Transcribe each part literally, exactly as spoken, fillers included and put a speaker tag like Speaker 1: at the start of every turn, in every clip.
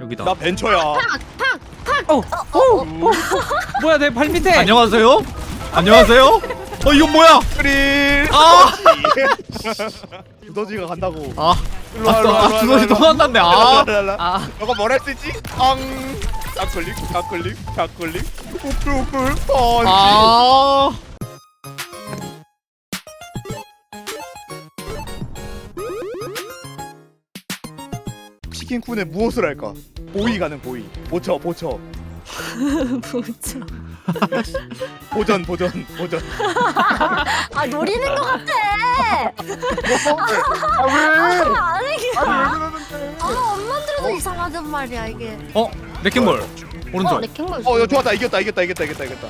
Speaker 1: 여기다.
Speaker 2: 나 벤처야.
Speaker 3: 어, 어, 어, 어.
Speaker 4: 뭐야 내 발 밑에.
Speaker 1: 안녕하세요. 안녕하세요. 어 이건 뭐야?
Speaker 2: 그릴.
Speaker 1: 아,
Speaker 2: 두더지가 간다고.
Speaker 1: 아,
Speaker 2: 일로 와,
Speaker 1: 아,
Speaker 2: 일로 와,
Speaker 1: 아,
Speaker 2: 일로 와,
Speaker 1: 두더지
Speaker 2: 일로
Speaker 1: 또
Speaker 2: 와.
Speaker 1: 만났네. 아,
Speaker 4: 아,
Speaker 2: 너가 뭘 할 수 있지? 앙. 좌클릭, 좌클릭, 좌클릭. 우플 우플 펀치.
Speaker 1: 아.
Speaker 2: 치킨쿤에 무엇을 할까? 보이 가는 보이. 보쳐 보쳐.
Speaker 3: 뭐죠?
Speaker 2: 보전 보전 보전.
Speaker 3: 아 노리는 것 같아.
Speaker 2: 아 왜?
Speaker 3: 아니
Speaker 2: 아니 왜 그러는데?
Speaker 3: 아 엄만 들어도 이상하단 말이야 이게.
Speaker 1: 어, 레킹볼
Speaker 3: 어
Speaker 1: 오른쪽.
Speaker 3: 레킹볼.
Speaker 2: 어, 야 좋았다. 이겼다. 이겼다. 이겼다. 이겼다. 이겼다.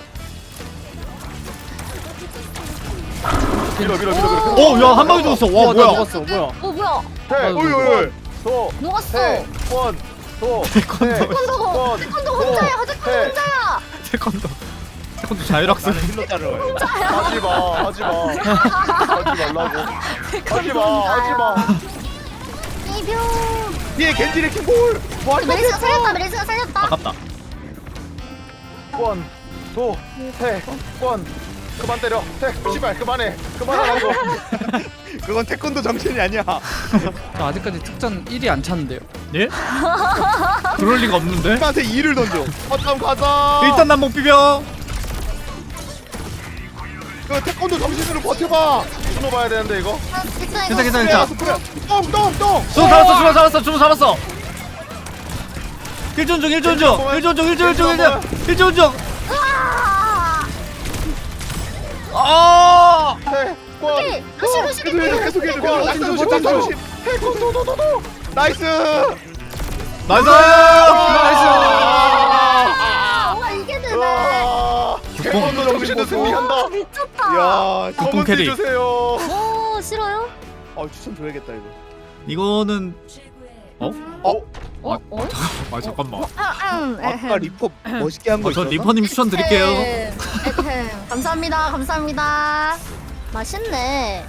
Speaker 2: 밀어 밀어 밀어 밀어.
Speaker 1: 어, 야 한 방에 죽었어. 와,
Speaker 4: 나
Speaker 1: 뭐야?
Speaker 4: 녹았어. 뭐야?
Speaker 3: 어 뭐야?
Speaker 2: 태.
Speaker 4: 아이고,
Speaker 2: 어이 어이. 소.
Speaker 3: 녹았어.
Speaker 2: 권. 소.
Speaker 1: 태권도.
Speaker 3: 태권도 태권도 혼자야. 태권도 혼자야.
Speaker 1: 태권도. 태권도 자율학습.
Speaker 2: 나는 힐러 자르러 가야. 하지 마. 하지 마. 하지 말라고. 하지 마. 하지 마.
Speaker 3: 이병.
Speaker 2: 뒤에 겐지 레킹볼. 뭐 할
Speaker 3: 메리스가 살렸다. 메리스가 살렸다.
Speaker 1: 아깝다.
Speaker 5: 권, 도, 태, 권. 그만 때려. 태, 씨발 그만해. 그만하라고.
Speaker 2: 그건 태권도 정신이 아니야.
Speaker 4: 저 아직까지 특전 일이 안 찼는데요.
Speaker 1: 예? 그럴 리가 없는데.
Speaker 2: 나한테 이를 던져. 어쩜 가자.
Speaker 1: 일단 난목 비벼.
Speaker 2: 그 태권도 정신으로 버텨봐.
Speaker 5: 신호 봐야 되는데 이거.
Speaker 3: 아, 괜찮아
Speaker 1: 괜찮아,
Speaker 3: 이거.
Speaker 1: 괜찮아.
Speaker 2: 스프레야 스프레야. 똥똥 똥.
Speaker 1: 주문 잡았어, 주문 잡았어, 주문 잡았어. 일전 중, 일전 중, 일전 중, 일전 중, 일전 중, 일전 중.
Speaker 3: 아!
Speaker 1: 아,
Speaker 5: 태, 권.
Speaker 3: 오케이. 루시 루시
Speaker 2: 계속 해줘 계속 해줘.
Speaker 5: 권,
Speaker 2: 낙사 조심
Speaker 5: 권,
Speaker 2: 낙사
Speaker 5: 권.
Speaker 2: 조심.
Speaker 5: 태권 도도도도.
Speaker 2: 나이스.
Speaker 1: 나이스.
Speaker 3: 아, 와 이게 되네.
Speaker 5: 와. 태권도 정신도
Speaker 2: 보소.
Speaker 5: 승리한다.
Speaker 3: 아, 미쳤다.
Speaker 2: 야.
Speaker 1: 국뽕 캐리.
Speaker 5: 주세요.
Speaker 3: 오 싫어요?
Speaker 2: 아 추천 줘야겠다 이거.
Speaker 1: 이거는 어?
Speaker 2: 어?
Speaker 3: 어? 어?
Speaker 1: 아 잠깐만.
Speaker 3: 아, 음,
Speaker 2: 아까 리퍼 멋있게 한 거
Speaker 1: 어, 저
Speaker 2: 있었나?
Speaker 1: 리퍼님 추천 드릴게요.
Speaker 3: 에헴, 에헴. 감사합니다. 감사합니다. 맛있네.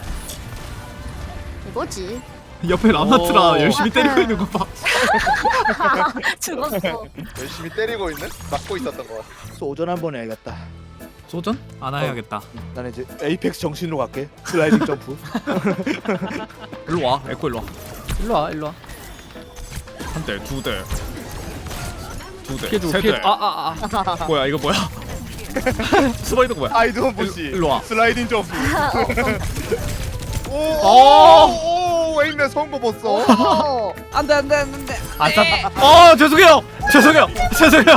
Speaker 3: 이거지.
Speaker 1: 옆에 라마트라
Speaker 2: 오.
Speaker 1: 열심히 때리고 있는 거 봐.
Speaker 3: 죽었어.
Speaker 5: 열심히 때리고 있는? 막고 있었던 거.
Speaker 2: 소전 한번 해야겠다.
Speaker 1: 소전? 안 해야겠다.
Speaker 2: 나는 이제 에이펙스 정신으로 갈게. 슬라이딩 점프.
Speaker 1: 일로 와, 에코 일로 와.
Speaker 4: 일로 와, 일로 와.
Speaker 1: 한 대, 두 대, 두 대,
Speaker 4: 피해주고
Speaker 1: 세 대.
Speaker 4: 피해. 아, 아, 아.
Speaker 1: 뭐야 이거 뭐야? 스파이더 뭐야?
Speaker 2: 아이드원 보시.
Speaker 1: 일로 와.
Speaker 2: 슬라이딩 점프. 오.
Speaker 1: 오.
Speaker 2: 오. 웨이맨 성공 봤어.
Speaker 3: 어.
Speaker 4: 안돼, 안돼, 안돼.
Speaker 1: 아싸. 어 죄송해요, 죄송해요, 죄송해요.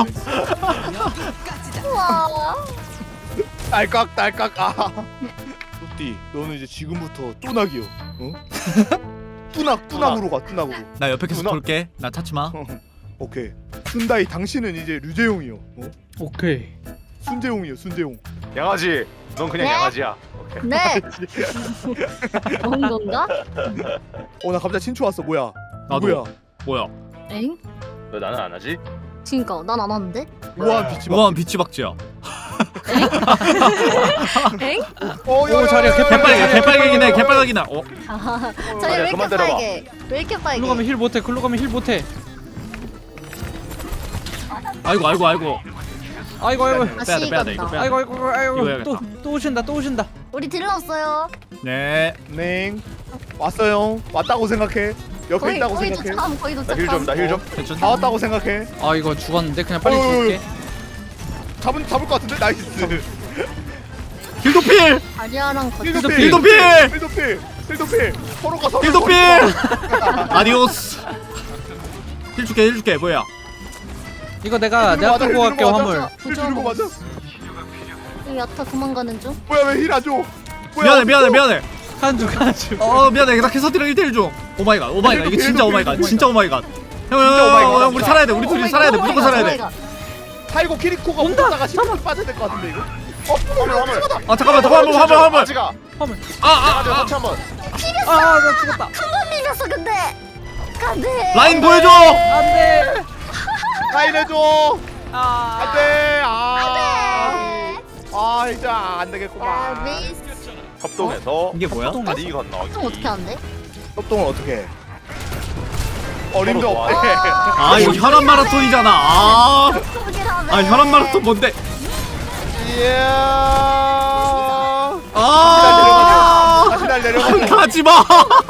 Speaker 3: 우와.
Speaker 2: 딸깍 딸깍. 아. 뚜띠, 너는 이제 지금부터 뚜낙이요. 어? 뚜낙 뚜낙으로 가. 뚜낙으로.
Speaker 1: 나 옆에 계속
Speaker 5: 누나.
Speaker 1: 볼게. 나 찾지 마.
Speaker 2: 오케이. 순다이 당신은 이제 류재용이요. 어?
Speaker 4: 오케이.
Speaker 2: 순재용이요. 순재용.
Speaker 5: 양아지. 넌 그냥
Speaker 3: 네?
Speaker 5: 양아지야.
Speaker 3: 네. 그런 건가?
Speaker 2: 어 나 갑자기 친추 왔어. 뭐야?
Speaker 1: 나도.
Speaker 2: 누구야?
Speaker 1: 뭐야?
Speaker 3: 엥?
Speaker 5: 왜 나는 안 하지?
Speaker 3: 그니까 난 안 왔는데?
Speaker 2: 우아한 빛이 막.
Speaker 1: 우아한 비치박쥐야.
Speaker 3: 엥?
Speaker 2: 어,
Speaker 4: 오, 자리야,
Speaker 1: 개빨개, 개빨개긴 해, 개빨개긴 해. 어?
Speaker 3: 아,
Speaker 5: 자리야,
Speaker 3: 저기 왜 이렇게
Speaker 5: 그만 때려봐.
Speaker 3: 빨개? 왜 이렇게 빨개?
Speaker 4: 글로 가면 힐 못해. 글로 가면 힐 못해.
Speaker 1: 아이고, 아이고, 아이고.
Speaker 4: 아이고, 아이고.
Speaker 1: 빼야 돼, 빼야 돼, 이거
Speaker 3: 간다.
Speaker 1: 빼야 돼.
Speaker 4: 아이고, 아이고,
Speaker 1: 이거
Speaker 4: 아이고.
Speaker 1: 해야겠다.
Speaker 4: 또, 또 오신다, 또 오신다.
Speaker 3: 우리 딜러 없어요.
Speaker 1: 네.
Speaker 2: 네. 왔어요. 왔다고 생각해. 옆에
Speaker 3: 거의
Speaker 2: 있다고
Speaker 3: 거의
Speaker 2: 생각해.
Speaker 3: 도착함. 거의
Speaker 5: 나
Speaker 3: 도착함.
Speaker 5: 힐 좀, 나 힐 좀.
Speaker 1: 괜찮.
Speaker 2: 다 왔다고 생각해.
Speaker 4: 아, 이거 죽었는데 그냥 빨리
Speaker 2: 어이, 어이,
Speaker 4: 죽을게.
Speaker 2: 잡은 잡을 것 같은데 나이스.
Speaker 1: 힐도필,
Speaker 3: 아리아랑 같이.
Speaker 2: 힐도필.
Speaker 1: 힐도필,
Speaker 2: 힐도필. 힐도필. 서로가 서로.
Speaker 1: 힐도필. 아디오스. 힐 줄게, 힐 줄게. 뭐야?
Speaker 4: 이거 내가 내가 끌고 갈게 화물.
Speaker 2: 힐 주는 거 맞아?
Speaker 3: 여기 야타 도망가는 중.
Speaker 2: 뭐야 왜 힐 안 줘? 뭐야?
Speaker 1: 미안해, 미안해, 미안해.
Speaker 4: 한 줄, 한 줄.
Speaker 1: 어 미안해. 나 캐서디랑 일 대일 중. 오 마이 갓, 오 마이 갓. 이게 진짜 오 마이 갓, 진짜 오 마이 갓. 형, 형,
Speaker 2: 진짜 오 마이 갓.
Speaker 1: 형, 형, 우리 살아야 돼. 우리 둘이 살아야 돼. 무조건 살아야 돼.
Speaker 2: 타이고 키리코가 오다가 시간 빠져야 될 것 같은데 이거? 어?
Speaker 5: 화물, 화물.
Speaker 1: 아 잠깐만, 잠깐만, 화물, 화물, 화물.
Speaker 5: 아지가.
Speaker 4: 화물.
Speaker 1: 아, 아,
Speaker 5: 양아지
Speaker 1: 아.
Speaker 5: 터치 한 번.
Speaker 4: 아, 아, 나 죽었다.
Speaker 3: 한 번 밀렸어 근데. 안돼.
Speaker 1: 라인 보여줘.
Speaker 4: 안돼.
Speaker 2: 라인 해줘.
Speaker 4: 아.
Speaker 2: 안돼. 아.
Speaker 3: 안돼.
Speaker 2: 아 이제 안
Speaker 3: 야
Speaker 2: 되겠구만.
Speaker 3: 메이스.
Speaker 5: 협동해서
Speaker 1: 이게 뭐야?
Speaker 5: 다리 건너기.
Speaker 3: 좀 어떻게 안 돼?
Speaker 2: 협동을 어떻게 해? 어림도
Speaker 5: 서로
Speaker 2: 없대.
Speaker 1: 아 이거 혈압 마라톤이잖아. 아,
Speaker 3: 속이라며.
Speaker 1: 아 혈압 마라톤 뭔데?
Speaker 2: 이야.
Speaker 1: 아,
Speaker 2: 다시 날 내려가죠.
Speaker 1: 가지 마.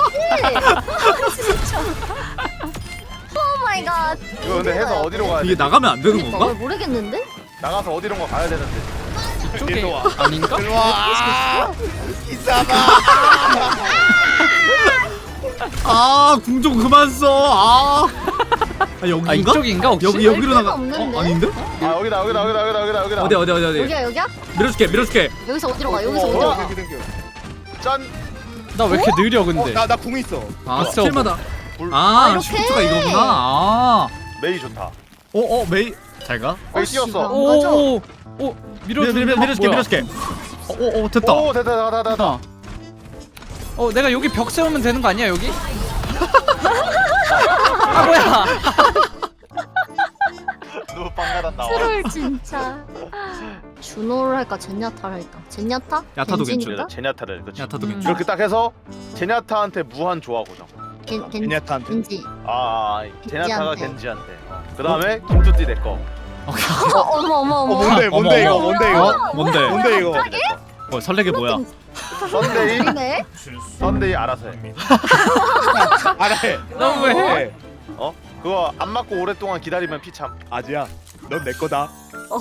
Speaker 3: 진짜. 오 마이 갓.
Speaker 5: 이거 근데 해서 어디로 가야 돼?
Speaker 1: 이게 나가면 안 되는
Speaker 3: 그러니까
Speaker 1: 건가?
Speaker 3: 모르겠는데?
Speaker 5: 나가서 어디론가 가야 되는데.
Speaker 4: 이쪽에
Speaker 2: 일로 와.
Speaker 4: 아닌가?
Speaker 2: 일로 와. 이사마.
Speaker 1: 아, 궁 좀 그만 써. 아, 아
Speaker 4: 아
Speaker 1: 여기인가?
Speaker 4: 이쪽인가 혹시?
Speaker 1: 여기 여기로
Speaker 3: 데가
Speaker 1: 나가.
Speaker 3: 없는데?
Speaker 1: 어, 아닌데?
Speaker 5: 아 여기다 여기다 여기다 여기다 여기다 여기다.
Speaker 1: 어디 어디 어디 어디?
Speaker 3: 여기야 여기야?
Speaker 1: 밀어줄게 밀어줄게.
Speaker 3: 여기서 어디로 가? 여기서
Speaker 5: 어,
Speaker 3: 어디로
Speaker 5: 어,
Speaker 3: 가?
Speaker 2: 땡큐 땡큐.
Speaker 5: 짠.
Speaker 4: 나 왜 이렇게 느려 근데?
Speaker 2: 나나 궁 있어.
Speaker 1: 아,
Speaker 4: 있어.
Speaker 1: 스킬마다.
Speaker 5: 불.
Speaker 1: 아,
Speaker 3: 이렇게?
Speaker 1: 슈트가 이거구나. 아,
Speaker 5: 메이 좋다.
Speaker 1: 어, 어, 메이 잘 가.
Speaker 5: 메이
Speaker 3: 씨,
Speaker 5: 뛰었어.
Speaker 3: 나-
Speaker 4: 오오오 밀어
Speaker 1: 밀어 밀어 밀어줄게 밀어줄게. 어, 어, 어, 됐다.
Speaker 5: 오 됐다 됐다 됐다. 됐다.
Speaker 4: 어 내가 여기 벽 세우면 되는 거 아니야 여기? 아 뭐야?
Speaker 5: 너무 빵가단 나와.
Speaker 3: 트롤 진짜. 준호를 할까 젠야타를 할까? 젠야타?
Speaker 1: 야타도
Speaker 3: 겐지니까?
Speaker 5: 그래서 제냐타를 그치.
Speaker 1: 야타도
Speaker 4: 음.
Speaker 1: 괜찮아.
Speaker 5: 이렇게 딱 해서 제냐타한테 무한 조화 고정.
Speaker 3: 겐 겐.
Speaker 2: 베냐타한테.
Speaker 3: 겐지.
Speaker 5: 아, 아 제냐타가
Speaker 3: 겐지한테.
Speaker 5: 겐지한테. 어. 그 다음에 김뚜띠 내 거.
Speaker 3: 어, 어머 어머
Speaker 2: 어
Speaker 3: 어머.
Speaker 2: 뭔데 뭔데 이거
Speaker 1: 어머,
Speaker 2: 뭔데 이거
Speaker 1: 어? 뭔데?
Speaker 2: 뭔데 이거.
Speaker 1: 어, 설레게 뭐야?
Speaker 5: 썬데이
Speaker 3: 네.
Speaker 5: 썬데이 알아서 해.
Speaker 2: 알아해.
Speaker 4: 너무 왜 해?
Speaker 5: 어? 그거 안 맞고 오랫동안 기다리면 피참.
Speaker 2: 아지야, 넌 내 거다.
Speaker 3: 어.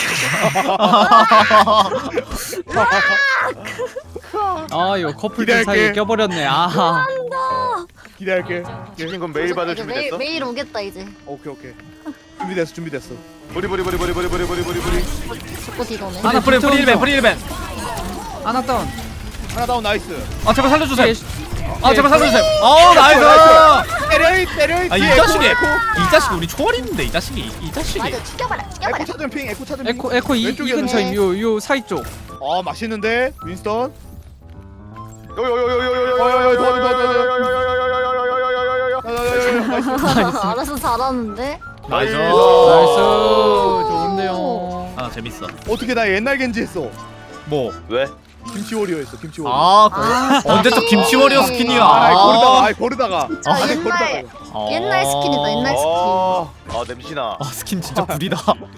Speaker 4: 아 이거 커플들
Speaker 2: 기대할게.
Speaker 4: 사이에 껴버렸네. 아하.
Speaker 2: 기대할게.
Speaker 5: 치킨 건 매일 받을
Speaker 3: 이제 매일
Speaker 5: 준비됐어?
Speaker 3: 매일 오겠다 이제.
Speaker 2: 오케이 오케이. 준비됐어 준비됐어.
Speaker 5: 부리 부리 부리 부리 부리 부리 부리 부리 부리.
Speaker 3: 자꾸 뒤도네.
Speaker 1: 하나 프리 프리 일벤 프리 일벤.
Speaker 4: 하나 다운.
Speaker 2: 하나 다운 나이스.
Speaker 1: 아 제발 살려주세요.
Speaker 4: 예,
Speaker 1: 아 제발 살려주세요. 어 나이스.
Speaker 2: 때려이 때려이.
Speaker 1: 아 이
Speaker 2: 뒤에
Speaker 1: 자식이
Speaker 2: 에코,
Speaker 1: 이 자식 우리 초월인데 이 자식이 이 자식이.
Speaker 3: 맞아 죽여봐라 죽여봐라.
Speaker 2: 에코 찾은 핑 에코 찾은 핑.
Speaker 4: 에코 에코 이, 이
Speaker 2: 왼쪽이었네.
Speaker 4: 근처에 요요 사이 쪽.
Speaker 2: 아 맛있는데 윈스턴.
Speaker 3: 알아서 잘하는데.
Speaker 1: 나이스.
Speaker 4: 나이스. 좋은데요.
Speaker 1: 아 재밌어.
Speaker 2: 어떻게 나 옛날 겐지 했어.
Speaker 1: 뭐?
Speaker 5: 왜?
Speaker 2: 김치 워리어 했어 김치 워리어.
Speaker 1: 아, 그
Speaker 3: 아,
Speaker 1: 언제 또 김치 워리어 스킨이야?
Speaker 2: 아, 아이, 고르다가
Speaker 1: 아,
Speaker 2: 아이 고르다가.
Speaker 3: 저
Speaker 2: 아니,
Speaker 3: 옛날
Speaker 2: 고르다가.
Speaker 1: 어.
Speaker 3: 옛날 스킨이다 옛날 스킨.
Speaker 5: 어, 아 냄새나.
Speaker 1: 아 스킨 진짜 구리다.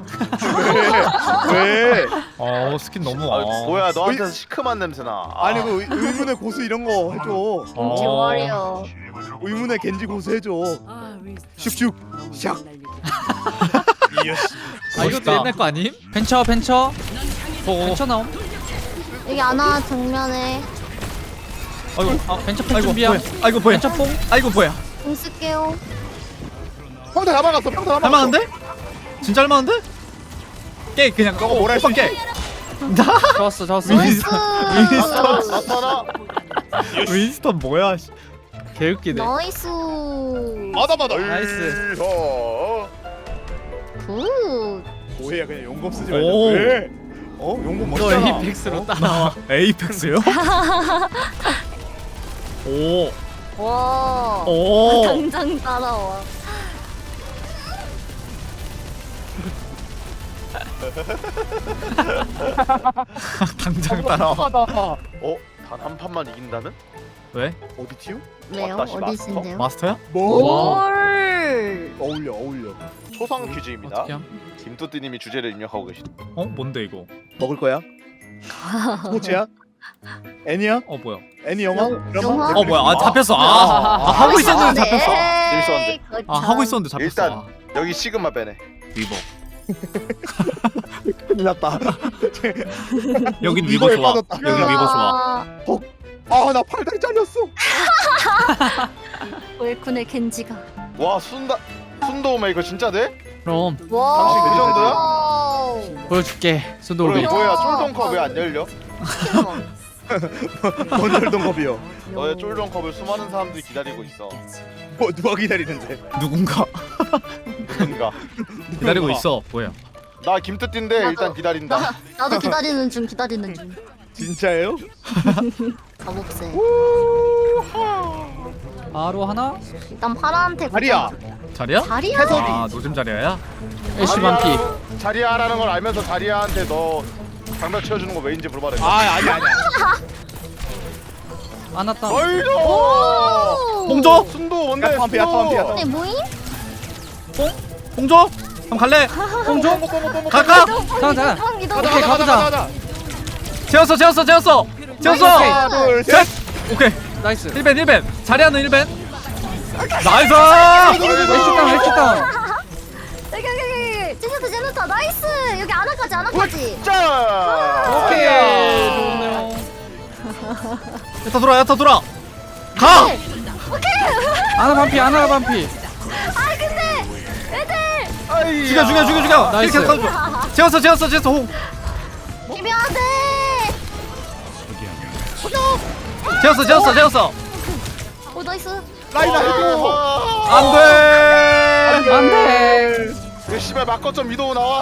Speaker 2: 왜? 왜?
Speaker 1: 어 스킨 너무.
Speaker 5: 아,
Speaker 1: 아.
Speaker 5: 뭐야 너한테서 시큼한 냄새나. 아,
Speaker 2: 아니 그 의- 의문의 고수 이런 거 해줘.
Speaker 1: 어.
Speaker 3: 김치 워리어.
Speaker 2: 의문의 겐지 고수 해줘. 슉슉 샥. 이어씨.
Speaker 4: 아 이것도
Speaker 1: 멋있다.
Speaker 4: 옛날 거 아님? 벤처 벤처.
Speaker 1: 어.
Speaker 4: 벤처 나옴.
Speaker 3: 여기 하나 정면에
Speaker 1: 아이고.
Speaker 4: 아 벤처 팩
Speaker 1: 아이고
Speaker 4: 준비야.
Speaker 1: 뭐야? 아이고 뭐야?
Speaker 4: 벤처 뽕.
Speaker 1: 아이고 뭐야?
Speaker 3: 공 쓸게요.
Speaker 2: 평타 다 막았어. 평타 다 막았어.
Speaker 1: 할만한데? 진짜 할만한데? 깨 그냥.
Speaker 2: 너가 뭐라 했어?
Speaker 1: 오빠 깨.
Speaker 4: 좋았어 좋았어.
Speaker 1: 윈스턴. 윈스턴.
Speaker 5: 나타나.
Speaker 1: 윈스턴 뭐야? 씨.
Speaker 4: 개웃기네.
Speaker 3: 나이스.
Speaker 2: 맞아 맞아.
Speaker 4: 나이스.
Speaker 5: 어.
Speaker 3: 굿.
Speaker 2: 뭐해 그냥 용검 쓰지 말자.
Speaker 1: 오.
Speaker 2: 왜? 어 용검
Speaker 4: 너
Speaker 2: 멋있잖아.
Speaker 4: 에이펙스로 따라와.
Speaker 1: 에이펙스요? 오.
Speaker 3: 와.
Speaker 1: 오.
Speaker 3: 당장 따라와.
Speaker 1: 당장 따라와.
Speaker 2: 어?
Speaker 5: 어? 단 한 판만 이긴다는?
Speaker 1: 왜?
Speaker 2: 어디 튀우?
Speaker 3: 왜요?
Speaker 5: 왔다시
Speaker 3: 어디신데요?
Speaker 1: 마스터야?
Speaker 2: 뭐?
Speaker 3: 올.
Speaker 2: 어울려 어울려.
Speaker 5: 초상 퀴즈입니다.
Speaker 4: 어떻게 함?
Speaker 5: 김뚜띠님이 주제를 입력하고 계십니다.
Speaker 1: 어? 뭔데 이거?
Speaker 2: 먹을 거야? 스포츠야? 애니야?
Speaker 1: 어 뭐야?
Speaker 2: 애니 영화?
Speaker 3: 영-
Speaker 2: 드라마?
Speaker 3: 영화?
Speaker 1: 어 뭐야? 아 잡혔어. 아, 아, 하고 있었는데 잡혔어.
Speaker 5: 재밌었는데.
Speaker 1: 아 하고 있었는데 잡혔어.
Speaker 5: 일단
Speaker 1: 아,
Speaker 5: 여기 시그마 빼네.
Speaker 1: 위버.
Speaker 2: 큰일 났다.
Speaker 1: 여긴 위버 좋아.
Speaker 2: 빠졌다.
Speaker 1: 여긴 위버 좋아.
Speaker 2: 아나 팔다리 잘렸어.
Speaker 3: 웰쿤의 겐지가.
Speaker 5: 와 순다 순도 메이커 진짜 돼?
Speaker 4: 그럼
Speaker 3: 와.
Speaker 5: 당신 그
Speaker 3: 정도야?
Speaker 4: 보여줄게.
Speaker 5: 그럼
Speaker 4: 순돌비.
Speaker 5: 뭐야 쫄동컵 왜 안 열려?
Speaker 2: 건설동 겁이요.
Speaker 5: 너의 쫄동컵을 수많은 사람들이 기다리고 있어.
Speaker 2: 뭐 누가 기다리는데?
Speaker 1: 누군가
Speaker 5: 누군가.
Speaker 1: 기다리고 있어. 뭐야?
Speaker 5: 나 김뚜띠인데
Speaker 3: 나도.
Speaker 5: 일단 기다린다.
Speaker 3: 나, 나도 기다리는 중 기다리는 중.
Speaker 2: 진짜예요?
Speaker 3: 가봅세.
Speaker 4: 바로 하나.
Speaker 3: 일단 파라한테
Speaker 2: 다리야.
Speaker 1: 자리야?
Speaker 3: 자리야?
Speaker 1: 아 노잼 자리야야?
Speaker 4: 애쉬 반피.
Speaker 5: 자리야라는 걸 알면서 자리야한테 너 장벽 채워주는 거 왜인지 물어봐라.
Speaker 2: 아 아니 아니야.
Speaker 4: 안 왔다.
Speaker 5: 나이스.
Speaker 1: 홍조?
Speaker 5: 순도 뭔데?
Speaker 2: 야타 반피, 야타 반피, 야타
Speaker 3: 네 모임?
Speaker 1: 홍조? 한번 갈래?
Speaker 4: 홍조?
Speaker 1: 갈까?
Speaker 4: 잠깐 잠깐.
Speaker 3: 형 이동.
Speaker 4: 오케이, 가보자.
Speaker 1: 재웠어 재웠어 재웠어 재웠어.
Speaker 4: 오케이.
Speaker 2: 하나, 둘,
Speaker 1: 셋.
Speaker 2: 셋.
Speaker 1: 오케이.
Speaker 4: 나이스.
Speaker 1: 일 벤 일 벤. 자리하는 일 벤. 나이스.
Speaker 4: 왼쪽 다운 왼쪽 다운.
Speaker 3: 여기 여기 여기. 제니타 제니타 나이스. 여기 아나까지 아나까지.
Speaker 5: 자.
Speaker 4: 오케이. 좋네요.
Speaker 1: 야타 돌아 야타 돌아. 가.
Speaker 4: 아나 반피 아나 반피.
Speaker 3: 아 근데 애들.
Speaker 5: 아이.
Speaker 1: 죽여 죽여 죽여 죽여.
Speaker 4: 나이스.
Speaker 1: 이렇게 해서 재웠어 재웠어 재웠어 홍.
Speaker 3: 비벼야돼.
Speaker 1: 재웠어 재웠어 재웠어.
Speaker 3: 오 나이스.
Speaker 2: 라인 아이고.
Speaker 1: 안돼.
Speaker 4: 안돼.
Speaker 5: 그 씨발 막거점 위도우 나와.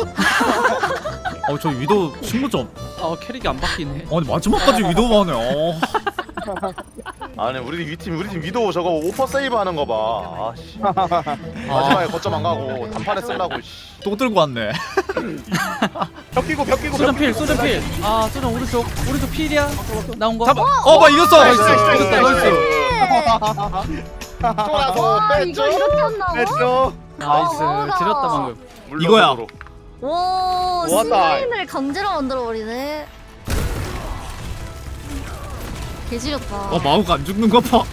Speaker 1: 어저 위도 신고점.
Speaker 4: 어 캐릭이 안 바뀌네.
Speaker 1: 아니 마지막까지 위도만 하네. 어.
Speaker 5: 아니 우리 위 팀 우리 팀 위도우 저거 오퍼 세이브 하는 거 봐. 아씨. 마지막에 거점 안 가고 단판에 쓰려고. 씨.
Speaker 1: 또 들고 왔네.
Speaker 2: 벽 끼고 벽 끼고
Speaker 4: 소전
Speaker 2: 벽
Speaker 4: 필
Speaker 2: 끼고.
Speaker 4: 소전 필. 아 소전 오른쪽 오른쪽 필이야. 나온 거.
Speaker 1: 잡아. 어, 봐 이겼어.
Speaker 2: 나이스, 나이스, 나이스,
Speaker 1: 이겼다,
Speaker 2: 나이스.
Speaker 1: 이겼어.
Speaker 5: 쫄아서
Speaker 3: 아 이거
Speaker 5: 뺐죠.
Speaker 3: 이렇게 한다고?
Speaker 2: 됐죠.
Speaker 4: 나이스.
Speaker 3: 어,
Speaker 4: 지렸다 방금.
Speaker 1: 이거야.
Speaker 5: 물러서도록.
Speaker 3: 오
Speaker 2: 좋았다.
Speaker 3: 스마인을 강제로 만들어 버리네. 개지렸다.
Speaker 1: 어 마우가 안 죽는 거 봐.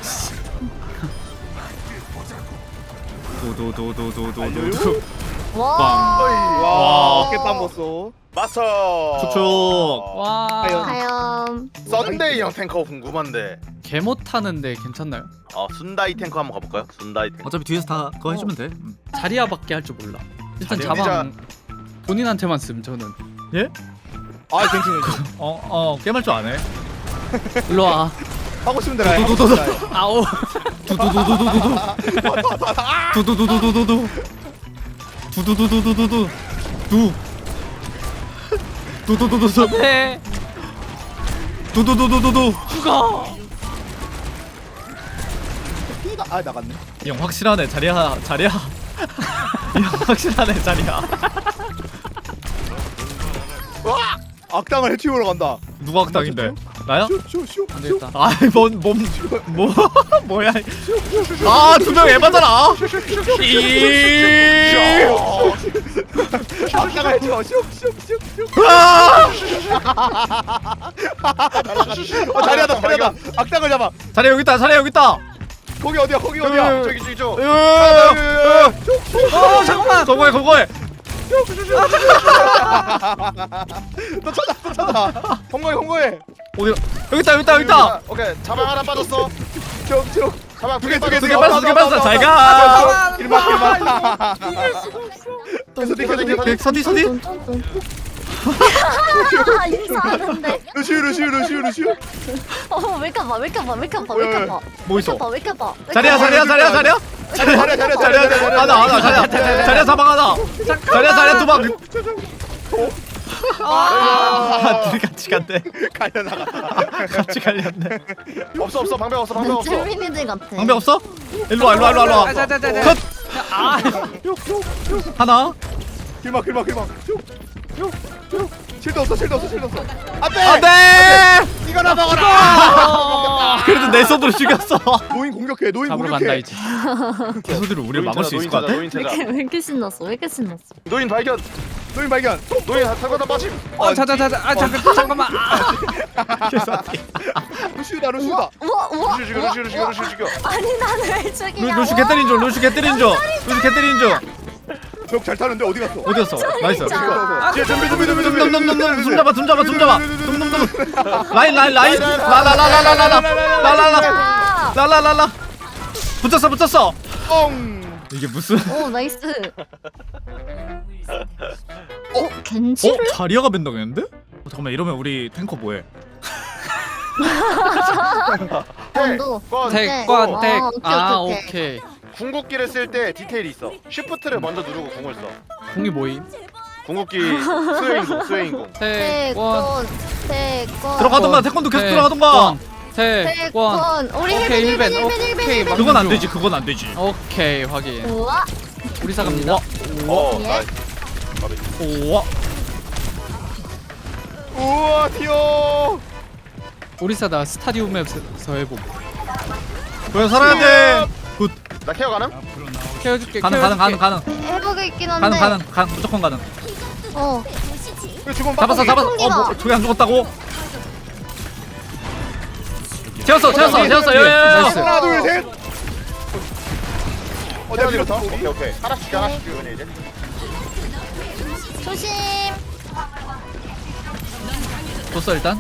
Speaker 1: 도도도도도도도.
Speaker 3: 와.
Speaker 2: 와,
Speaker 1: 와.
Speaker 2: 어깨 땀었어.
Speaker 5: 마스터.
Speaker 1: 축축.
Speaker 4: 와.
Speaker 3: 과연.
Speaker 5: 썬데이 형 탱커 궁금한데.
Speaker 4: 개 못하는데 괜찮나요?
Speaker 5: 어 순다이 탱커 한번 가볼까요? 순다이 탱커.
Speaker 1: 어차피 뒤에서 다 그거 해주면 돼. 음.
Speaker 4: 자리야밖에 할 줄 몰라. 일단
Speaker 5: 자리야.
Speaker 4: 자방 본인한테만 씀 저는.
Speaker 1: 예?
Speaker 2: 아, 괜찮아.
Speaker 1: 어어 게임할 줄 아네.
Speaker 4: 일로 와.
Speaker 2: 하고 싶은 대로 해.
Speaker 1: 도도도도.
Speaker 4: 아오.
Speaker 1: 두두두두두두두. 두두두두두두두. 두두두두두두두. 두. 두두두두두.
Speaker 4: 네.
Speaker 1: 두두두두두두.
Speaker 4: 죽어.
Speaker 2: 피가 아 나갔네.
Speaker 1: 이 형 확실하네 자리야 자리야. 이 형 확실하네 자리야.
Speaker 2: 악당을 해치우러 간다.
Speaker 1: 누가 악당인데? 나야?
Speaker 2: 쇼쇼쇼.
Speaker 4: 안 되겠다.
Speaker 1: 아이 뭔몸뭐 뭐야? 아두 명 에바잖아. 이.
Speaker 2: 악당을 해치워. 쇼쇼쇼쇼.
Speaker 1: 아!
Speaker 2: 어, 자리하다 자리하다. 악당을 잡아.
Speaker 1: 자리 여기 있다. 자리 여기 있다.
Speaker 2: 거기 어디야? 거기 어디야?
Speaker 5: 저기 저기 저.
Speaker 1: 어 잠깐만. 거거해 거거해.
Speaker 2: 너 찾아 또 찾아. 홍거해 홍거해.
Speaker 1: 어디? 여기 있다 여기 있다 여기 있다.
Speaker 5: 오케이 자방 하나 빠졌어.
Speaker 2: 쭉쭉.
Speaker 5: 자방
Speaker 2: 두 개, 두 개,
Speaker 1: 두 개 빠졌어 두 개 빠졌어. 잘 가.
Speaker 2: 길막 길막.
Speaker 5: 서디 서디
Speaker 1: 서디 서디.
Speaker 3: 아 인사하는데.
Speaker 2: 루시우 루시우 루시우 루시우.
Speaker 3: 어 웰컴봐 웰컴봐 웰컴봐 웰컴봐.
Speaker 1: 뭐 있어?
Speaker 3: 웰컴봐 웰컴봐.
Speaker 1: 자리야 자리야 자리야 자리야.
Speaker 2: 자리야 자리야 자리야 자리야 자리야.
Speaker 1: 하나 하나 자리야. 자리야 사방 하나. 자리야 자리야 두 방. 아, 둘이 같이 간대.
Speaker 2: 갈려 나갔다.
Speaker 1: 같이 갈렸네.
Speaker 5: 없어 없어 방벽 없어 방벽 없어.
Speaker 3: 잼민이들 같아.
Speaker 1: 방벽 없어? 일로 와 일로 와 일로 와, 일로 와.
Speaker 4: 자자자자.
Speaker 1: 컷.
Speaker 4: 아.
Speaker 1: 하나.
Speaker 2: 길막 길막 길막. 쭉쭉. 실드 없어 실드 없어 실드 없어. 안돼.
Speaker 1: 안돼.
Speaker 2: 이거나 먹어라.
Speaker 1: 그래도 내 손으로 죽였어.
Speaker 2: 노인 공격해 노인
Speaker 4: 잡으러 간다
Speaker 2: 공격해.
Speaker 4: 이제.
Speaker 1: 그 소리를 우리를 막을 수 있을 것 같아?
Speaker 5: 노인
Speaker 3: 왜
Speaker 5: 찾아.
Speaker 3: 이렇게 왜 이렇게 신났어? 왜 이렇게 신났어?
Speaker 5: 노인 발견.
Speaker 2: 노인 발견.
Speaker 5: 노인 탈거다 빠짐.
Speaker 4: 어 자자자자. 아 잠깐 잠깐만. 아.
Speaker 2: 루시우다 루시우다.
Speaker 3: 우와 우와.
Speaker 5: 루시 죽여 루시 죽여 루시 죽여.
Speaker 3: 아니 나는 왜
Speaker 1: 루,
Speaker 3: 죽이냐고.
Speaker 1: 루시 개때린 중 루시 개때린 중 루시 개때린 중
Speaker 2: 벽 잘 타는데 어디 갔어?
Speaker 1: 어디 갔어? 나이스.
Speaker 3: 진짜.
Speaker 2: 뒤에 준비 준비 준비 준비.
Speaker 1: 놈놈놈놈 숨 잡아 숨 잡아 숨 잡아 놈놈놈 라인 라인 라인 라라라라라라라라라라
Speaker 3: 아.
Speaker 1: 라라라라 붙였어 붙였어.
Speaker 2: 뻥.
Speaker 1: 이게 무슨?
Speaker 3: 오 나이스. 어
Speaker 1: 어?
Speaker 3: 겐지를?
Speaker 1: 자리아가 벤당했는데? 어, 잠깐만 이러면 우리 탱커 뭐해?
Speaker 3: 원도.
Speaker 4: 택관 택.
Speaker 3: 아, 오케이,
Speaker 4: 아
Speaker 3: 오케이, 오케이.
Speaker 4: 오케이.
Speaker 5: 궁극기를 쓸 때 디테일이 있어. 쉬프트를 먼저 누르고 궁을 써.
Speaker 4: 공이 모임.
Speaker 5: 궁극기 수행공 수행공.
Speaker 4: 태권.
Speaker 3: 태권 태권.
Speaker 1: 들어가던가 태권도 계속 들어가던가.
Speaker 4: 태권.
Speaker 3: 태권. 우리
Speaker 4: 오케이,
Speaker 3: 힐벤
Speaker 4: 힐벤.
Speaker 3: 힐벤 힐벤
Speaker 4: 오케이,
Speaker 3: 힐벤.
Speaker 4: 막-
Speaker 1: 그건 안 되지 그건 안 되지.
Speaker 4: 오케이 확인.
Speaker 3: 우와.
Speaker 4: 우리 사갑니다.
Speaker 5: 어
Speaker 3: 예?
Speaker 5: 나이스.
Speaker 1: 오와
Speaker 2: 우와 튀어.
Speaker 4: 오리사다 스타디움에서 해봄.
Speaker 1: 왜 살아야 돼? 굿.
Speaker 5: 나 케어 가능?
Speaker 4: 케어줄게.
Speaker 1: 가능 가능 가능 가능
Speaker 3: 해보고 있긴 한데.
Speaker 1: 가능 가능 가능 무조건 가능.
Speaker 3: 어.
Speaker 2: 그래 지금
Speaker 1: 잡았어 잡았어. 어 뭐, 저기 안 죽었다고? 채웠어 채웠어 채웠어. 여여여.
Speaker 4: 나이스.
Speaker 2: 하나 둘 셋. 어 내가 밀었어.
Speaker 5: 오케이 오케이. 하나씩 줘, 하나씩 줘, 이번에 이제.
Speaker 3: 조심.
Speaker 1: 줬어 일단.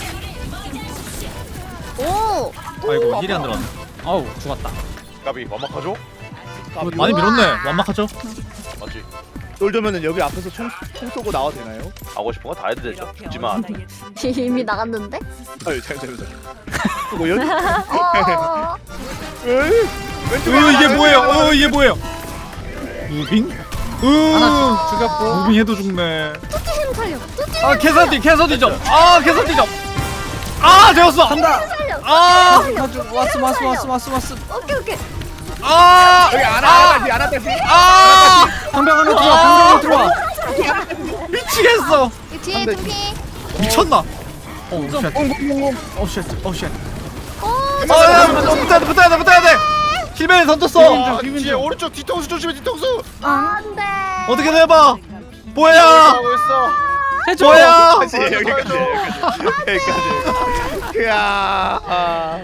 Speaker 3: 오.
Speaker 1: 아이고 힐이 안 들어왔네.
Speaker 4: 어우 죽었다.
Speaker 5: 까비 완막하죠?
Speaker 1: 많이 밀었네. 완막하죠?
Speaker 5: 맞지?
Speaker 2: 놀자면은 여기 앞에서 총, 총 쏘고 나와도 되나요?
Speaker 5: 하고 싶은 거 다 해도 되죠. 죽지만.
Speaker 3: 이미 나갔는데?
Speaker 2: 아유 잠시만요. 그거 연?
Speaker 3: 어.
Speaker 2: 에이, 왼쪽
Speaker 1: 으 이게 뭐예요? 어 이게 뭐예요? 무빙?
Speaker 4: 하나
Speaker 1: 으
Speaker 4: 죽였고.
Speaker 1: 무빙 해도 죽네.
Speaker 3: 뚜띠 힘 살려. 뚜띠
Speaker 1: 아 캐서디 캐서디 좀. 아 캐서디 좀. 아 되었어.
Speaker 4: 간다.
Speaker 3: 살려.
Speaker 1: 아.
Speaker 4: 가지고 왔어 왔어 왔어 왔어 왔어.
Speaker 3: 오케이 오케이.
Speaker 1: 아.
Speaker 2: 여기 안아다시 안아다시.
Speaker 1: 아.
Speaker 4: 방병 하나 들어와. 방병 하나 들어와.
Speaker 1: 미치겠어.
Speaker 3: 이 뒤에 둠피.
Speaker 1: 미쳤나? 어 쉣.
Speaker 2: 꽁꽁꽁꽁.
Speaker 1: 어 쉣. 어 쉣.
Speaker 3: 오.
Speaker 1: 아, 야, 붙어야 돼, 붙어야 돼, 붙어야 돼. 힐맨 던졌어.
Speaker 5: 아, 뒤에 오른쪽 뒤통수 조심해 뒤통수.
Speaker 3: 안돼.
Speaker 1: 어떻게든 해봐. 뭐야?
Speaker 5: 하고 있어.
Speaker 4: 해줘.
Speaker 1: 뭐야?
Speaker 2: 다시 여기까지 여기까지 여기까지. 이야. 아.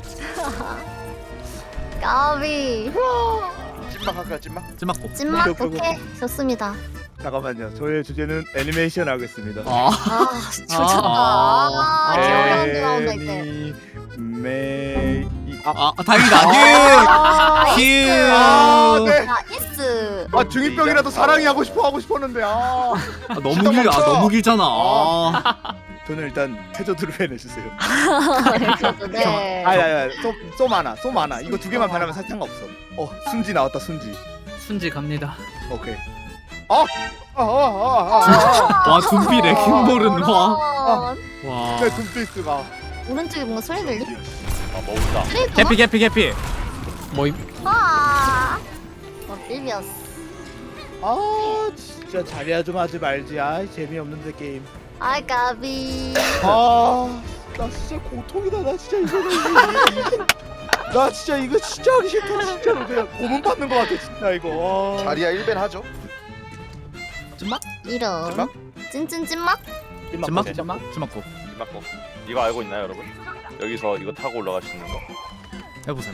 Speaker 3: 까비.
Speaker 5: 찐막 할까 찐막?
Speaker 1: 찜맞고.
Speaker 3: 찐맛
Speaker 2: 오케이, 오케이,
Speaker 3: 오케이. 좋습니다.
Speaker 2: 잠깐만요. 저의 주제는 애니메이션 하겠습니다.
Speaker 1: 아.
Speaker 3: 아 좋다.
Speaker 1: 아.
Speaker 3: 아 기억이 안 나온다 이제.
Speaker 2: 애니메이. 아,
Speaker 1: 아, 아 다행이다.
Speaker 3: 아,
Speaker 1: 휴.
Speaker 2: 아,
Speaker 1: 휴.
Speaker 2: 네.
Speaker 3: 나이스.
Speaker 2: 아 중이병이라도 사랑이 하고 싶어 하고 싶었는데 아.
Speaker 1: 아, 너무 길, 아 너무 길잖아. 아.
Speaker 2: 저는 일단 태조드로 해내주세요.
Speaker 3: 네.
Speaker 2: 아야야, 쏘 많아, 쏘 많아. 이거 두 개만 변하면 상관없어. 어, 순지 나왔다, 순지.
Speaker 4: 순지 갑니다.
Speaker 2: 오케이. 아, 아, 아, 아, 아,
Speaker 1: 와 둠비 레킹볼은 와.
Speaker 3: 어,
Speaker 1: 와.
Speaker 2: 내 둠피스가.
Speaker 3: 오른쪽에 뭔가 소리 들리?
Speaker 5: 아 먹었다.
Speaker 3: 트레이터?
Speaker 1: 개피 개피 개피.
Speaker 4: 뭐임?
Speaker 3: 아. 어 삐비었어.
Speaker 2: 아, 진짜 자리야 좀 하지 말지. 아, 재미없는데 게임.
Speaker 3: 아 까비.
Speaker 2: 아, 나 진짜 고통이다. 나 진짜 이거. 나 진짜 이거 진짜 하기 싫다. 진짜로 그냥 고문 받는 거 같아, 진짜 이거. 아.
Speaker 5: 자리야 일 벤 하죠?
Speaker 3: 이런.
Speaker 5: 찐막?
Speaker 3: 찐찐 찐막?
Speaker 1: 찜맞?
Speaker 5: 오케이.
Speaker 1: 찜맞? 찜맞고.
Speaker 5: 찐막고. 이거 알고 있나요 여러분? 여기서 이거 타고 올라갈 수 있는 거.
Speaker 1: 해보세요.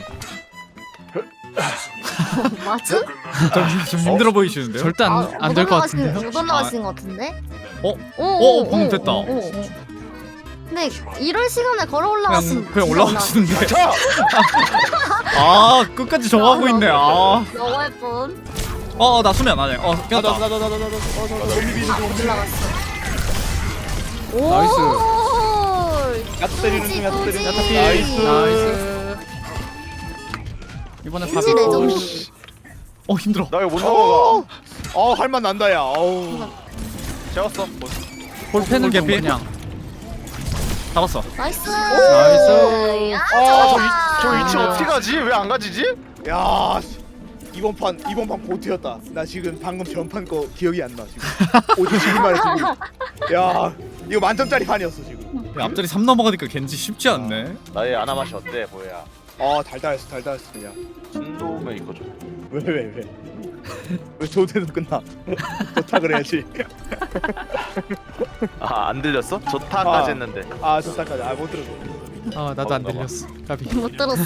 Speaker 3: 맞아?
Speaker 1: 좀, 좀 힘들어 보이시는데요?
Speaker 4: 절대
Speaker 3: 아,
Speaker 4: 안 될 것 같은데요?
Speaker 3: 못 올라가시는 것 같은데?
Speaker 1: 어?
Speaker 3: 오,
Speaker 1: 어,
Speaker 3: 오,
Speaker 1: 방금
Speaker 3: 오,
Speaker 1: 됐다.
Speaker 3: 오, 오. 근데 이럴 시간에 걸어
Speaker 1: 그냥
Speaker 3: 올라갔으면
Speaker 1: 그냥
Speaker 3: 진짜
Speaker 1: 올라가시는데.
Speaker 5: 자!
Speaker 1: 아 끝까지 정하고 있네. 아.
Speaker 3: 너무 예쁜.
Speaker 1: 어 나 수면 안 해. 어
Speaker 2: 나도
Speaker 1: 깼다.
Speaker 2: 나도 나도 나도 나도 나도 좀비
Speaker 3: 아, 못 올라갔어. 오.
Speaker 4: 나이스.
Speaker 2: 야채 때리는 중, 야채 때리는 중.
Speaker 3: 뚜지.
Speaker 2: 나이스.
Speaker 4: 나이스. 이번에
Speaker 3: 뚜지
Speaker 4: 밥이
Speaker 3: 레전드.
Speaker 1: 어 힘들어.
Speaker 5: 나 이거 못 넘어가.
Speaker 2: 어, 할만 난다 야. 어우.
Speaker 5: 재웠어.
Speaker 4: 볼펜을 좀
Speaker 1: 개피?
Speaker 4: 그냥.
Speaker 1: 잡았어.
Speaker 3: 나이스.
Speaker 4: 나이스.
Speaker 3: 야,
Speaker 5: 아, 저, 위,
Speaker 3: 좋다.
Speaker 5: 저 위치 어떻게 가지? 왜 안 가지지?
Speaker 2: 야, 씨. 이번 판 이번 판 고트였다. 나 지금 방금 전판 거 기억이 안 나 지금. 오직 지금 말해 지금. 야, 이거 만점짜리 판이었어 지금.
Speaker 1: 야, 앞자리 삼 넘어가니까 겐지 쉽지 않네.
Speaker 5: 나의 아나 맛이 어때 보여야?
Speaker 2: 아, 달달했어, 달달했어 그냥.
Speaker 5: 순도면 이거 좀.
Speaker 2: 왜 왜 왜? 왜 좋대도 끝나? 좋다 그래야지.
Speaker 5: 아 안 들렸어? 좋다까지
Speaker 2: 아.
Speaker 5: 했는데.
Speaker 2: 아, 좋다까지. 아, 못 들었어.
Speaker 4: 아 나도 안
Speaker 5: 먹었나 봐.
Speaker 4: 들렸어. 까비.
Speaker 3: 못 들었어.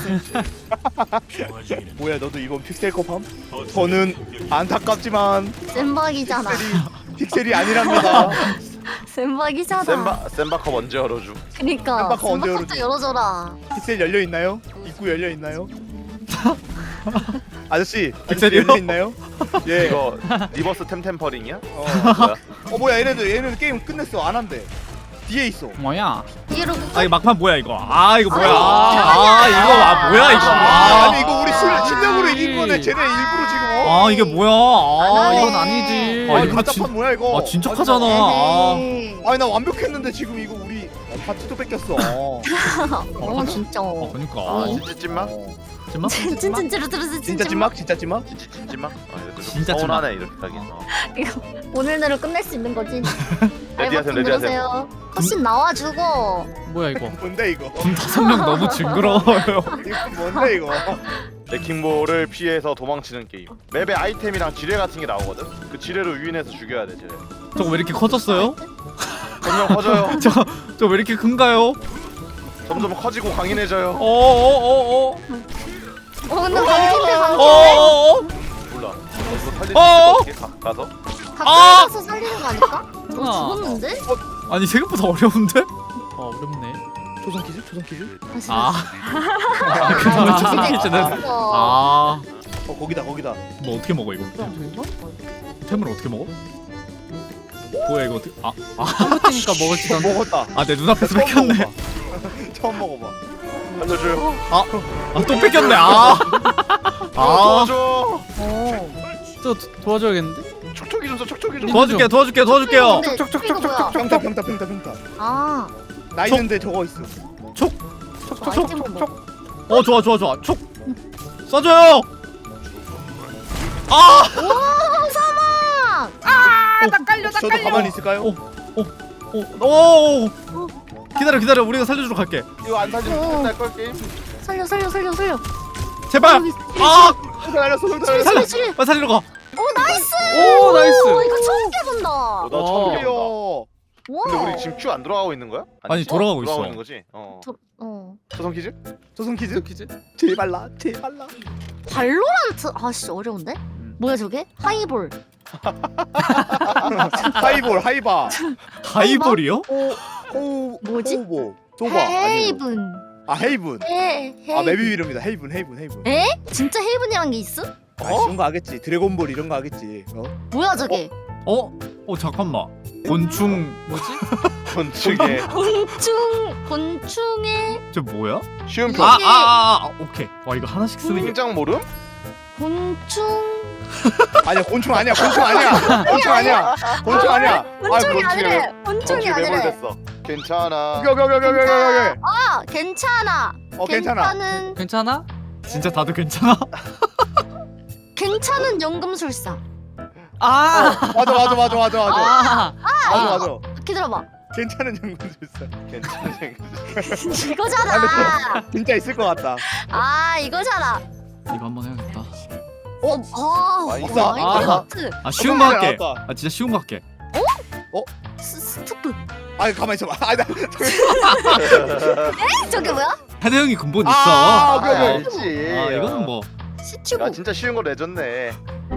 Speaker 2: 뭐야, 너도 이번 픽셀컵 함? 저는 안타깝지만
Speaker 3: 센박이잖아.
Speaker 2: 픽셀이 아니랍니다.
Speaker 3: 센박이잖아.
Speaker 5: 센바 센바컵 언제 열어줘?
Speaker 3: 그니까
Speaker 2: 센박 언제
Speaker 3: 센박도
Speaker 2: 열어줘?
Speaker 3: 열어줘라.
Speaker 2: 픽셀 열려 있나요? 입구 열려 있나요? 아저씨, 아저씨
Speaker 1: 픽셀이요?
Speaker 2: 열려 있나요? 예.
Speaker 5: 이거 리버스 템템퍼링이야?
Speaker 2: 어.
Speaker 5: 뭐야?
Speaker 2: 어 뭐야, 얘네들 얘네들 게임 끝냈어. 안 한대. 뒤에 있어.
Speaker 4: 뭐야?
Speaker 3: 뒤로
Speaker 1: 아 이거 막판 뭐야 이거? 아 이거 뭐야?
Speaker 3: 아,
Speaker 1: 아, 아 이거 아 뭐야 이거?
Speaker 2: 아,
Speaker 1: 아,
Speaker 2: 아니 이거 우리 실, 실력으로 이긴 거네. 쟤네 일부러 지금. 어?
Speaker 1: 아 이게 뭐야? 아
Speaker 3: 안
Speaker 4: 이건
Speaker 3: 하네.
Speaker 4: 아니지.
Speaker 1: 아,
Speaker 2: 아니
Speaker 1: 이거
Speaker 2: 가짜판
Speaker 1: 진-
Speaker 2: 뭐야 이거?
Speaker 1: 아 진척하잖아. 아,
Speaker 3: 에헤이.
Speaker 2: 아니 나 완벽했는데 지금 이거 우리 파티도 뺏겼어. 어.
Speaker 3: 어 진짜.
Speaker 1: 아 그러니까.
Speaker 5: 아
Speaker 3: 어.
Speaker 5: 진짜 찐막?
Speaker 2: 어.
Speaker 1: 찐막?
Speaker 3: 찐찐 찌르르르
Speaker 2: 진짜 찐막? 진짜 찐막?
Speaker 5: 진짜 진지막? 아 이거 좀
Speaker 1: 진짜
Speaker 5: 서운하네 이렇게 하긴. 어.
Speaker 3: 오늘 내로 끝낼 수 있는 거지.
Speaker 5: 레디하세요, 레디하세요.
Speaker 3: 컷신 나와주고.
Speaker 4: 뭐야 이거?
Speaker 2: 뭔데 이거?
Speaker 1: 군 다섯 명 너무 징그러워요.
Speaker 2: 이거 뭔데 이거?
Speaker 5: 레킹볼을 피해서 도망치는 게임. 맵에 아이템이랑 지뢰 같은 게 나오거든. 그 지뢰로 유인해서 죽여야 돼. 지뢰.
Speaker 1: 저거 왜 이렇게 커졌어요?
Speaker 5: 점점 커져요.
Speaker 1: 저 저 왜 이렇게 큰가요?
Speaker 5: 점점 커지고 강인해져요.
Speaker 1: 어어어어.
Speaker 3: 어 근데 강진대 강진대.
Speaker 1: 어어어.
Speaker 5: 몰라. 이거 살릴 수
Speaker 1: 어어!
Speaker 5: 있을 것 같아. 가- 가서.
Speaker 3: 가까이 가서 살리는 거 아닐까? 너
Speaker 4: 아.
Speaker 3: 죽었는데?
Speaker 1: 아니 생각보다 어려운데?
Speaker 4: 어 어렵네.
Speaker 2: 조선 퀴즈? 조선 퀴즈?
Speaker 3: 다시.
Speaker 1: 아.
Speaker 3: 아,
Speaker 1: 그다음에
Speaker 3: 이제
Speaker 1: 초성 퀴즈는.
Speaker 3: 죽었어.
Speaker 1: 아.
Speaker 2: 어 거기다 거기다.
Speaker 1: 뭐 어떻게 먹어 이거? 템을 어떻게 먹어? 뭐야 이거 어떻게? 아.
Speaker 4: 컴퓨터니까 먹을지도
Speaker 2: 어,
Speaker 4: 않네.
Speaker 2: 먹었다.
Speaker 1: 아 내 눈앞에서
Speaker 2: 처음
Speaker 1: 뺏겼네.
Speaker 2: 먹어봐. 처음 먹어봐.
Speaker 5: 알려줘요.
Speaker 1: 아 또 뺏겼네. 아. 아.
Speaker 5: 도와줘.
Speaker 3: 어.
Speaker 4: 저 도- 도와줘야겠는데?
Speaker 5: 촉촉이 좀 써. 촉촉이 좀.
Speaker 1: 도와줄게 도와줄게 도와줄게요.
Speaker 3: 근데 이거 뭐야?
Speaker 2: 평타 평타 평타 평타.
Speaker 3: 아.
Speaker 2: 나 있는데 저거 있어.
Speaker 3: 아이템 뭐?
Speaker 1: 어 좋아 좋아 좋아. 촉. 쏴줘요. 아.
Speaker 3: 오 사막.
Speaker 2: 나 깔려 나 저도 가만히 있을까요?
Speaker 1: 어. 오. 오. 기다려 기다려 우리가 살려주러 갈게.
Speaker 5: 이거 안 살리면
Speaker 3: 어.
Speaker 5: 끝날 걸 게임.
Speaker 3: 살려 살려 살려 살려.
Speaker 1: 제발.
Speaker 3: 여기,
Speaker 1: 아.
Speaker 2: 평타 날렸어 평타
Speaker 3: 살려
Speaker 2: 날렸어.
Speaker 3: 살려 살려.
Speaker 1: 빨리 살리러 가.
Speaker 3: 오 나이스.
Speaker 4: 오 나이스.
Speaker 3: 오, 이거 처음 깨본다.
Speaker 5: 어, 나
Speaker 4: 어.
Speaker 5: 처음 해본다.
Speaker 2: 귀여워.
Speaker 5: 근데
Speaker 3: 와.
Speaker 5: 우리 지금 큐 안 돌아가고 있는 거야?
Speaker 1: 아니, 돌아가고 있어.
Speaker 5: 돌아가고 있는 거지. 어.
Speaker 3: 저, 어.
Speaker 5: 조선 퀴즈?
Speaker 2: 조선 퀴즈?
Speaker 4: 퀴즈?
Speaker 2: 제발 나 제발 나.
Speaker 3: 발로란트 아씨 어려운데? 뭐야 저게? 하이볼.
Speaker 2: 하이볼 하이바.
Speaker 1: 하이볼이요?
Speaker 3: 오
Speaker 2: 호
Speaker 3: 뭐지?
Speaker 2: 호보. 조바 아니고.
Speaker 3: 헤이븐.
Speaker 2: 아 헤이븐.
Speaker 3: 헤 헤.
Speaker 2: 아 맵이 이름이다. 헤이븐 헤이븐 헤이븐.
Speaker 3: 에? 진짜 헤이븐이란 게 있어?
Speaker 2: 아 이런 거 하겠지. 드래곤볼 이런 거 하겠지. 어?
Speaker 3: 뭐야 저게?
Speaker 1: 어? 어 잠깐만. 곤충
Speaker 4: 뭐지?
Speaker 5: 건축에
Speaker 3: 곤충 곤충의
Speaker 1: 저 뭐야?
Speaker 5: 쉬운
Speaker 3: 이게-
Speaker 5: 표.
Speaker 1: 아, 아, 아, 아, 오케이. 와 이거 하나씩 쓰는 게.
Speaker 5: 통장 모름?
Speaker 3: 곤충
Speaker 2: 아니야 곤충 아니야 곤충 아니야 곤충 아니야 곤충 아니야.
Speaker 3: 곤충이
Speaker 5: 아,
Speaker 3: 아니래. 곤충이
Speaker 5: 건축
Speaker 3: 아니래.
Speaker 5: 매몰됐어. 괜찮아.
Speaker 2: 여기 여기 여기 여기 여기 여기.
Speaker 3: 아 괜찮아.
Speaker 2: 어 괜찮아.
Speaker 3: 괜찮은
Speaker 4: 괜찮아?
Speaker 1: 진짜 다들 괜찮아?
Speaker 3: 괜찮은 연금술사.
Speaker 4: 아.
Speaker 2: 맞아 맞아 맞아 맞아 맞아
Speaker 4: 아.
Speaker 2: 맞아 맞아.
Speaker 3: 기다려봐.
Speaker 2: 괜찮은 연금술사.
Speaker 5: 괜찮아.
Speaker 3: 이거잖아.
Speaker 2: 진짜 있을 것 같다.
Speaker 3: 아 이거잖아.
Speaker 1: 이거 한번 해야겠다.
Speaker 3: 어, 아,
Speaker 5: 마이크.
Speaker 3: 어,
Speaker 2: 아.
Speaker 3: 마이크라프트.
Speaker 1: 아 쉬운 거
Speaker 2: 어,
Speaker 1: 할게.
Speaker 2: 나왔다.
Speaker 1: 아 진짜 쉬운 거 할게.
Speaker 3: 스, 스투프.
Speaker 2: 아 가만 있어봐. 아 나.
Speaker 3: 저게 뭐야?
Speaker 1: 헤드 형이 근본 있어.
Speaker 2: 아,
Speaker 1: 아,
Speaker 2: 오케이, 오케이.
Speaker 5: 알지.
Speaker 1: 이거는 뭐.
Speaker 3: 시튜브.
Speaker 5: 야 진짜 쉬운 거 내줬네.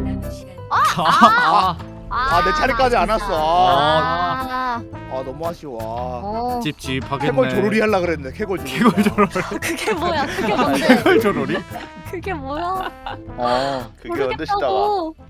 Speaker 4: 아.
Speaker 2: 아, 내 차례까지 안
Speaker 3: 나 진짜.
Speaker 2: 왔어.
Speaker 3: 아,
Speaker 2: 아 너무 아쉬워.
Speaker 3: 어.
Speaker 1: 찝찝하겠네.
Speaker 2: 캐골 조로리 하려 그랬네. 캐골 조로리.
Speaker 1: 캐골 조로리.
Speaker 3: 그게 뭐야? 그게 뭔데?
Speaker 1: 캐골 조로리?
Speaker 3: 그게 뭐야?
Speaker 2: 어.
Speaker 5: 그게 언제 시다가
Speaker 3: 모르겠다고.